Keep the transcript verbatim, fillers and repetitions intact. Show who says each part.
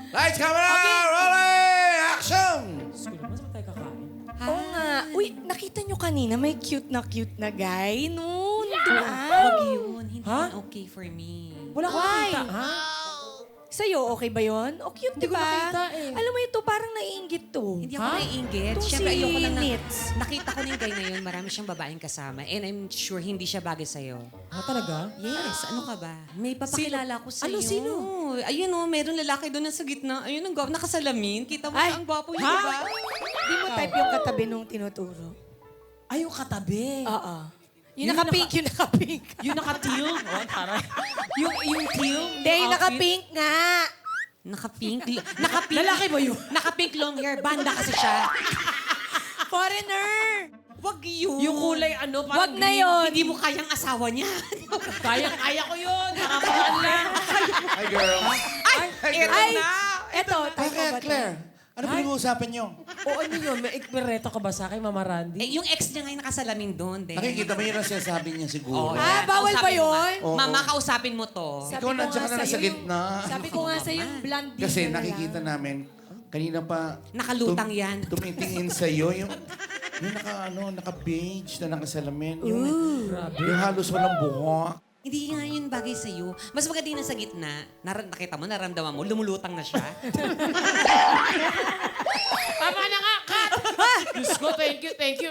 Speaker 1: Lights, camera, rolling, action!
Speaker 2: Diyos ko naman, saan tayo kakain?
Speaker 3: Oo nga. Uy, nakita nyo kanina may cute na cute na guy noon. Doon.
Speaker 4: Huwag yun. Hindi
Speaker 2: Ha?
Speaker 4: yun okay for me.
Speaker 2: Wala akong
Speaker 3: Why?
Speaker 2: kita, ha?
Speaker 3: Sa'yo, okay ba yun? O cute,
Speaker 2: Hindi
Speaker 3: di
Speaker 2: ko
Speaker 3: ba?
Speaker 2: nakita eh.
Speaker 3: Alam mo ito, parang naiinggit to.
Speaker 4: Hindi ako
Speaker 2: Ha?
Speaker 4: naiinggit.
Speaker 3: Itong
Speaker 4: Siyempre,
Speaker 3: si
Speaker 4: ayoko lang na...
Speaker 3: Nits.
Speaker 4: Nakita ko na yung guy na yun, marami siyang babaeng kasama. And I'm sure hindi siya bagay sa'yo.
Speaker 2: Ha, talaga?
Speaker 4: Yes, ano ka ba? May papakilala ko sa'yo.
Speaker 2: Ano, sino?
Speaker 4: Ayun o, meron lalaki doon sa gitna. Ayun, ang gwapo, nakasalamin. Kita mo
Speaker 3: Ay,
Speaker 4: siya, ang gwapo yun,
Speaker 2: ha?
Speaker 4: di ba?
Speaker 3: Di mo type yung katabi nung tinuturo.
Speaker 2: Ay, yung katabi.
Speaker 3: Oo. Yung
Speaker 2: Yung
Speaker 3: naka-pink,
Speaker 2: naka-
Speaker 3: yung naka-pink.
Speaker 2: Yung naka-teal. Oh, taray. Yung, yung teal.
Speaker 3: Hindi, yung
Speaker 2: outfit.
Speaker 3: naka-pink nga.
Speaker 4: Naka-pink. Naka-pink.
Speaker 2: Lalaki ba yun?
Speaker 4: Naka-pink long hair. Banda kasi siya.
Speaker 3: Foreigner.
Speaker 4: Wag yun.
Speaker 2: Yung kulay ano,
Speaker 3: Wag
Speaker 2: parang
Speaker 3: na
Speaker 2: green.
Speaker 3: yun.
Speaker 4: Hindi mo kayang asawa niya.
Speaker 2: Kaya, kaya ko yun. Nakapagaan lang.
Speaker 1: Hi, girl.
Speaker 4: Ay, eto
Speaker 3: Ay,
Speaker 4: na.
Speaker 3: eto. Type mo
Speaker 1: Bakit,
Speaker 3: ba to?
Speaker 1: Claire? Ano pinag-uusapan niyo?
Speaker 2: O ano yun? May ikmereto ka ba sa akin, Mama Randy?
Speaker 4: Eh, yung ex niya ngayon nakasalamin doon. din.
Speaker 1: Nakikita mo yun ang sinasabi niya siguro.
Speaker 4: Oh,
Speaker 3: Ah,
Speaker 4: yan.
Speaker 3: bawal ba
Speaker 4: Kausapin mo
Speaker 3: yun?
Speaker 4: nga.
Speaker 1: Oo.
Speaker 4: Mama, kausapin mo to.
Speaker 3: Sabi
Speaker 1: Ikaw
Speaker 3: ko
Speaker 1: nandiyan
Speaker 3: nga
Speaker 1: ka na nasa
Speaker 3: sa'yo,
Speaker 1: gitna.
Speaker 3: Sabi ko nga sa'yo, yung blonde din
Speaker 1: Kasi
Speaker 3: na lang.
Speaker 1: nakikita namin, kanina pa...
Speaker 4: Nakalutang
Speaker 1: tum-
Speaker 4: yan.
Speaker 1: Tumitingin sa'yo yung... Yung naka, ano, naka-beige na nakasalamin. Yung,
Speaker 2: Grabe.
Speaker 1: yung halos walang buhok.
Speaker 4: Hindi nga yun bagay sa'yo. Mas maganda yung nasa gitna. Nar- nakita mo, naramdaman mo, lumulutang na siya.
Speaker 2: Tama na nga, cut! Diyos ko, thank you, thank you.